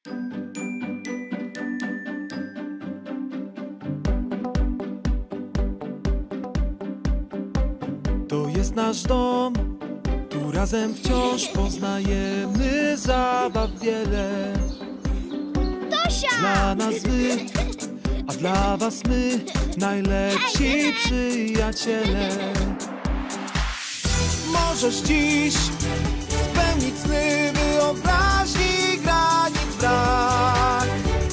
To jest nasz dom, tu razem wciąż poznajemy zabaw wiele. Tosia! Dla nas wy, a dla was my, najlepsi przyjaciele. Możesz dziś spełnić sny, wyobraźni granic brak.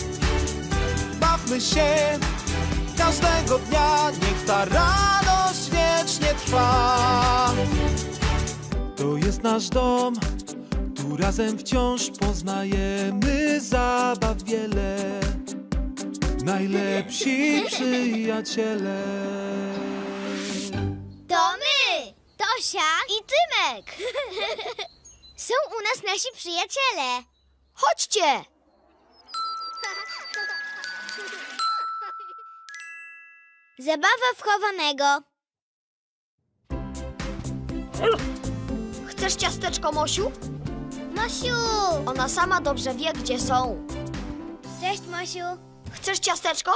Bawmy się każdego dnia, niech ta radość wiecznie trwa. To jest nasz dom, tu razem wciąż poznajemy zabaw wiele. Najlepsi przyjaciele. To my! Tosia i Tymek! Są u nas nasi przyjaciele. Chodźcie! Zabawa wchowanego. Chcesz ciasteczko, Mosiu? Mosiu! Ona sama dobrze wie, gdzie są. Cześć, Mosiu. Chcesz ciasteczko?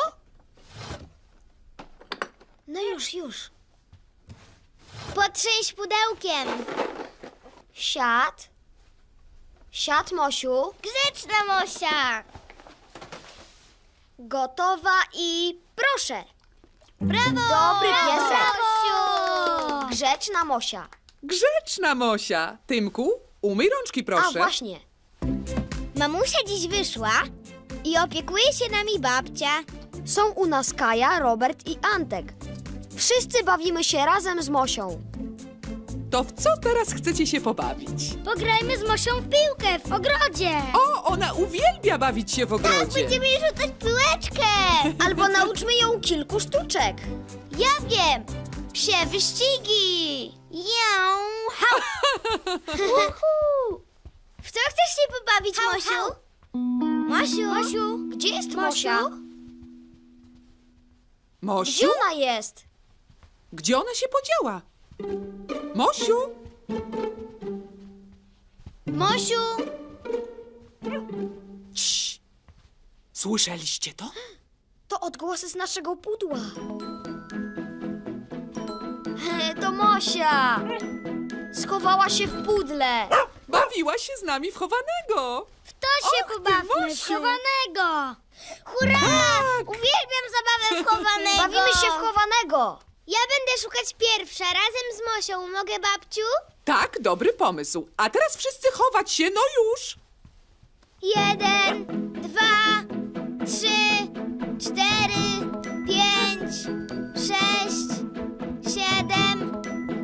No już. Potrząść pudełkiem. Siad. Siad, Mosiu. Grzeczna Mosia. Gotowa i proszę. Brawo! Dobry piesek. Mosiu! Grzeczna Mosia. Grzeczna Mosia. Tymku, umyj rączki, proszę. A właśnie. Mamusia dziś wyszła i opiekuje się nami babcia. Są u nas Kaja, Robert i Antek. Wszyscy bawimy się razem z Mosią. To w co teraz chcecie się pobawić? Pograjmy z Mosią w piłkę w ogrodzie. O, ona uwielbia bawić się w ogrodzie. Będziemy jej rzucać piłeczkę. Albo nauczmy ją kilku sztuczek. Ja wiem. Psie wyścigi. Ją, hał. Uhu. W co chcesz się pobawić, Mosiu? Mosiu? Gdzie jest Mosia? Mosiu? Gdzie ona jest? Gdzie ona się podziała? Mosiu? Mosiu? Cii. Słyszeliście to? To odgłosy z naszego pudła. To Mosia. Schowała się w pudle. Bawiła się z nami w chowanego. To się Och, ty, pobawmy w Mosiu. chowanego. Hurra! Tak. Uwielbiam zabawę w chowanego. Bawimy się w chowanego. Ja będę szukać pierwsza, razem z Mosią. Mogę, babciu? Tak, dobry pomysł. A teraz wszyscy chować się, no już. 1, 2, 3, 4, 5, 6, 7,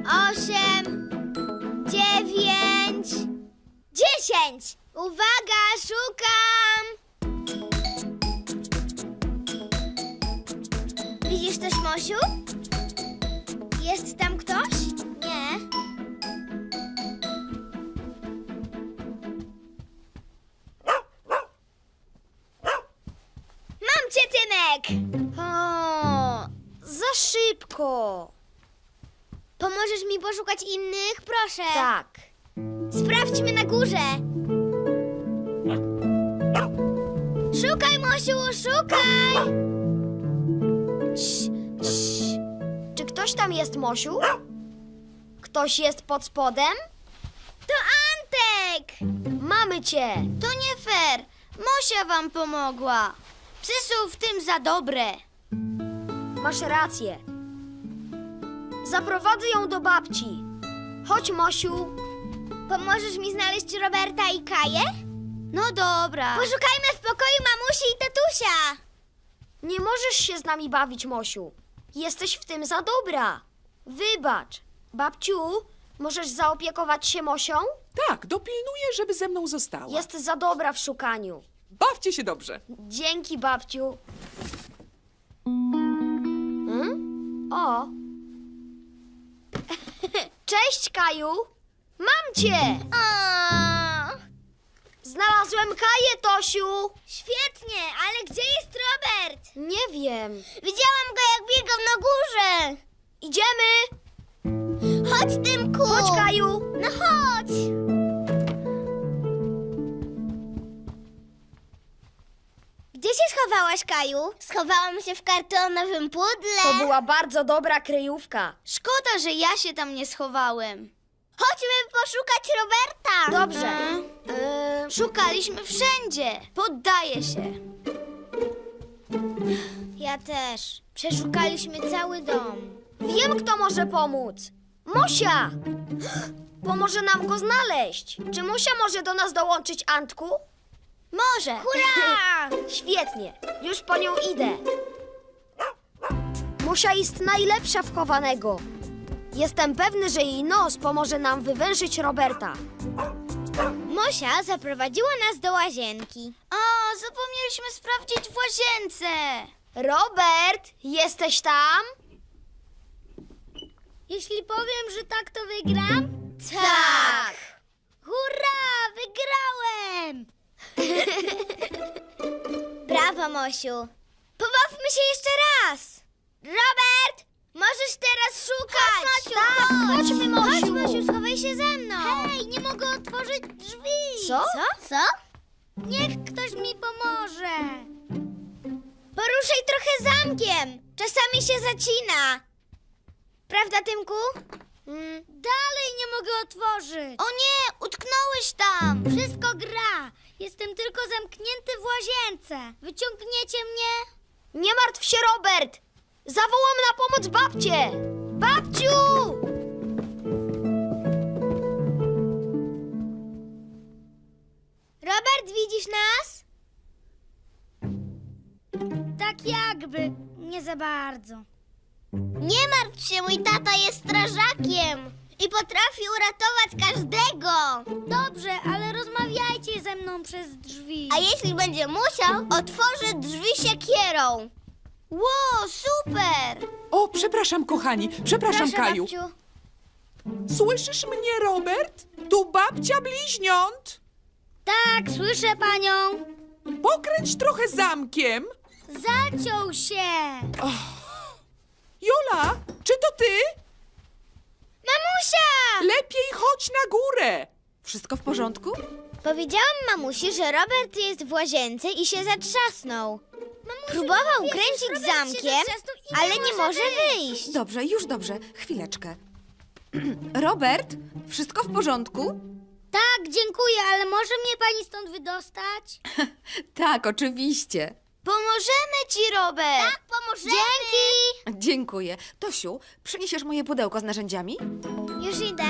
8, 9, 10. Uwaga, szukam! Widzisz coś, Mosiu? Jest tam ktoś? Nie. Mam cię, Tymek! O, za szybko. Pomożesz mi poszukać innych? Proszę. Tak. Sprawdźmy na górze. Szukaj, Mosiu, szukaj! Czy ktoś tam jest, Mosiu? Ktoś jest pod spodem? To Antek! Mamy cię. To nie fair. Mosia wam pomogła. Psy są w tym za dobre. Masz rację. Zaprowadzę ją do babci. Chodź, Mosiu. Pomożesz mi znaleźć Roberta i Kaję? No dobra. Poszukajmy w pokoju mamusi i tatusia. Nie możesz się z nami bawić, Mosiu. Jesteś w tym za dobra. Wybacz. Babciu, możesz zaopiekować się Mosią? Tak, dopilnuję, żeby ze mną została. Jest za dobra w szukaniu. Bawcie się dobrze. Dzięki, babciu. O. Cześć, Kaju. Mam cię. O, Znalazłem Kaję, Tosiu. świetnie, ale gdzie jest Robert? Nie wiem. Widziałam go, jak biegał na górze. Idziemy. Chodź, Tymku. Chodź, Kaju. No chodź. się schowałaś, Kaju? Schowałam się w kartonowym pudle. To była bardzo dobra kryjówka. Szkoda, że ja się tam nie schowałem. Chodźmy poszukać Roberta. Dobrze. Szukaliśmy wszędzie. Poddaję się. Ja też. Przeszukaliśmy cały dom. Wiem, kto może pomóc. Mosia! Pomoże nam go znaleźć. Czy Mosia może do nas dołączyć, Antku? Może. Hurra! Świetnie. Już po nią idę. Mosia jest najlepsza w chowanego. Jestem pewny, że jej nos pomoże nam wywęszyć Roberta. Mosia zaprowadziła nas do łazienki. O, zapomnieliśmy sprawdzić w łazience. Robert, jesteś tam? Jeśli powiem, że tak, to wygram? Tak! Hurra! Wygrałem! Brawo, Mosiu. Pobawmy się jeszcze raz. Robert, możesz teraz szukać. Chodź, Mosiu, Tak, chodźmy, Mosiu. Chodź, Mosiu, schowaj się ze mną. Hej, nie mogę otworzyć drzwi. Co? Co? Niech ktoś mi pomoże. Poruszaj trochę zamkiem. Czasami się zacina. Prawda, Tymku? Dalej nie mogę otworzyć. O nie, utknąłeś tam. Wszystko gra. Jestem tylko zamknięty w łazience. Wyciągniecie mnie? Nie martw się, Robert. Zawołam na pomoc babcię. Babciu! Robert, widzisz nas? Tak jakby, nie za bardzo. Nie martw się, mój tata jest strażakiem i potrafi uratować każdego. Dobrze, ale rozmawiajcie ze mną przez drzwi. A jeśli będzie musiał, otworzy drzwi siekierą. Ło, super! O, przepraszam, kochani. Przepraszam, Proszę, Kaju. babciu. Słyszysz mnie, Robert? Tu babcia bliźniąt. Tak, słyszę panią. Pokręć trochę zamkiem. Zaciął się. Jola, czy to ty? Mamusia! Lepiej chodź na górę. Wszystko w porządku? Powiedziałam mamusi, że Robert jest w łazience i się zatrzasnął. Próbował kręcić zamkiem, ale nie może wyjść. Dobrze, już dobrze. Chwileczkę. Robert, wszystko w porządku? Tak, dziękuję, ale może mnie pani stąd wydostać? Tak, oczywiście. Pomożemy ci, Robert. Tak, pomożemy. Dzięki. Dziękuję. Tosiu, przyniesiesz moje pudełko z narzędziami? Już idę.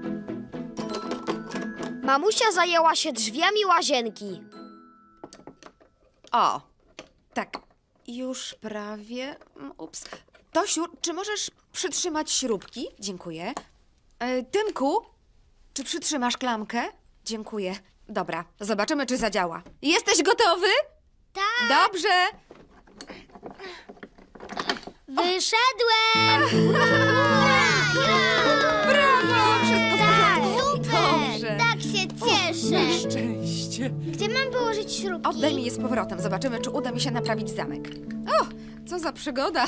Mamusia zajęła się drzwiami łazienki. O, tak. Już prawie. Ups. Tosiu, czy możesz przytrzymać śrubki? Dziękuję. Tymku, czy przytrzymasz klamkę? Dziękuję. Dobra, zobaczymy, czy zadziała. Jesteś gotowy? Tak. Dobrze. Wyszedłem. Brawo, wszystko w Tak, porządku. super. Dobrze. Tak się cieszę. Szczęście. Gdzie mam położyć śrubki? Oddaj mi je z powrotem. Zobaczymy, czy uda mi się naprawić zamek. O, co za przygoda.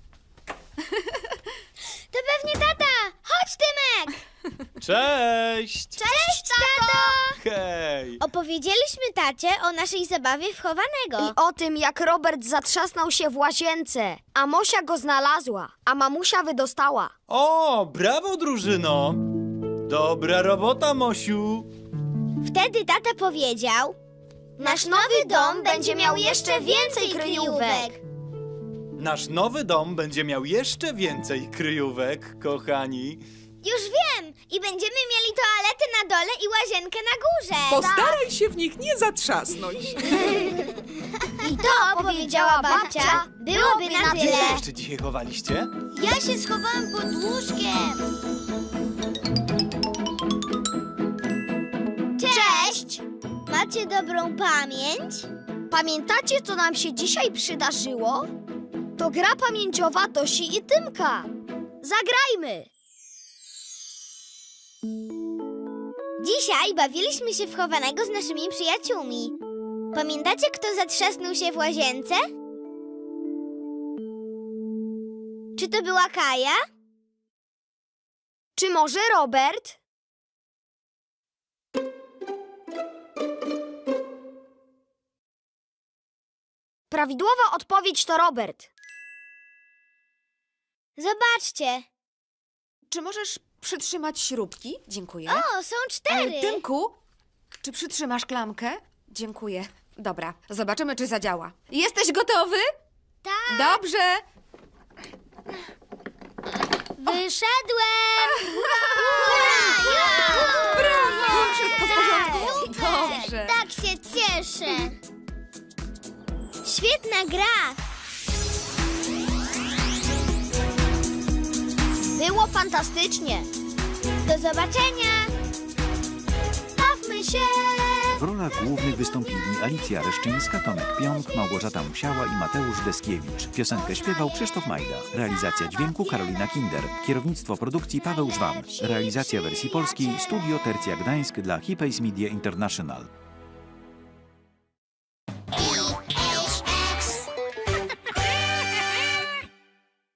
To pewnie tata. Chodź, Tymek. Cześć! Cześć, tato. Hej! Opowiedzieliśmy tacie o naszej zabawie w chowanego. I o tym, jak Robert zatrzasnął się w łazience, a Mosia go znalazła, a mamusia wydostała. O, brawo, drużyno! Dobra robota, Mosiu! Wtedy tata powiedział: nasz nowy dom będzie miał jeszcze więcej kryjówek. Nasz nowy dom będzie miał jeszcze więcej kryjówek, kochani. Już wiem! I będziemy mieli toaletę na dole i łazienkę na górze. Postaraj się w nich nie zatrzasnąć. I to, powiedziała babcia, byłoby na Gdzie się tyle. jeszcze dzisiaj chowaliście? Ja się schowałam pod łóżkiem. Cześć! Macie dobrą pamięć? Pamiętacie, co nam się dzisiaj przydarzyło? To gra pamięciowa Tosi i Tymka. Zagrajmy! Dzisiaj bawiliśmy się w chowanego z naszymi przyjaciółmi. Pamiętacie, kto zatrzasnął się w łazience? Czy to była Kaja? Czy może Robert? Prawidłowa odpowiedź to Robert. Zobaczcie. Czy możesz przytrzymać śrubki? Dziękuję. O, są 4. Tymku, czy przytrzymasz klamkę? Dziękuję. Dobra, zobaczymy, czy zadziała. Jesteś gotowy? Tak. Dobrze. Wyszedłem! Brawo! Wszystko w porządku? Super! Dobrze. Tak się cieszę. Świetna gra. Było fantastycznie. Do zobaczenia. Bawmy się. W rolach głównych wystąpili Alicja Reszczyńska, Tomek Pionk, Małgorzata Musiała i Mateusz Deskiewicz. Piosenkę śpiewał Krzysztof Majda. Realizacja dźwięku Karolina Kinder. Kierownictwo produkcji Paweł Żwan. Realizacja wersji polskiej Studio Tercja Gdańsk dla Hipays Media International.